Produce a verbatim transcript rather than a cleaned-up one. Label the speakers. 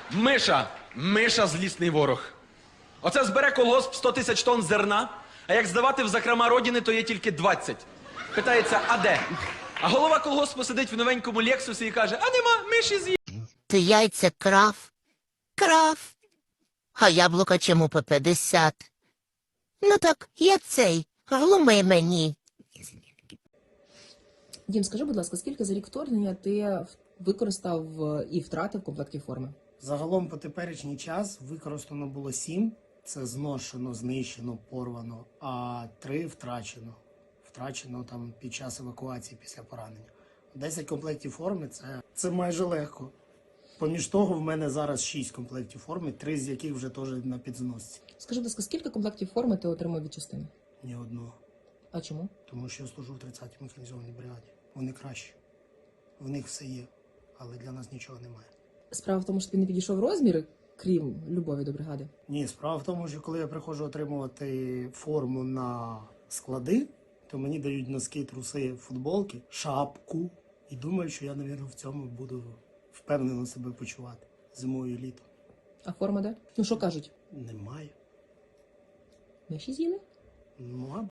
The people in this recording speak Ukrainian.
Speaker 1: Миша, Миша злісний ворог. Оце збере колгосп сто тисяч тонн зерна, а як здавати в закрома родини, то є тільки двадцять. Питається, а де? А голова колгоспу сидить в новенькому Лексусі і каже, а нема, миші з'їли.
Speaker 2: Ти яйця крав? Крав. А яблука чому по п'ятдесят? Ну так, я цей, глуми мені.
Speaker 3: Дім, скажи, будь ласка, скільки за рік вторгнення ти використав е, і втратив комплектів форми?
Speaker 4: Загалом по теперішній час використано було сім. Це зношено, знищено, порвано, а три втрачено. Втрачено там під час евакуації після поранення. десять комплектів форми це, це майже легко. Поміж того, в мене зараз шість комплектів форми, три з яких вже теж на підзносці.
Speaker 3: Скажи, будь ласка, скільки комплектів форми ти отримав від частини?
Speaker 4: Ні одного.
Speaker 3: А чому?
Speaker 4: Тому що я служу в тридцятій механізованій бригаді. Вони кращі. В них все є, але для нас нічого немає.
Speaker 3: Справа в тому, що тобі не підійшов розмір, крім любові до бригади.
Speaker 4: Ні, справа в тому, що коли я приходжу отримувати форму на склади, то мені дають носки, труси, футболки, шапку. І думаю, що я, мабуть, в цьому буду впевнено себе почувати зимою і літом.
Speaker 3: А форма де? Ну що кажуть?
Speaker 4: Немає.
Speaker 3: Миші з'їли?
Speaker 4: Ну, а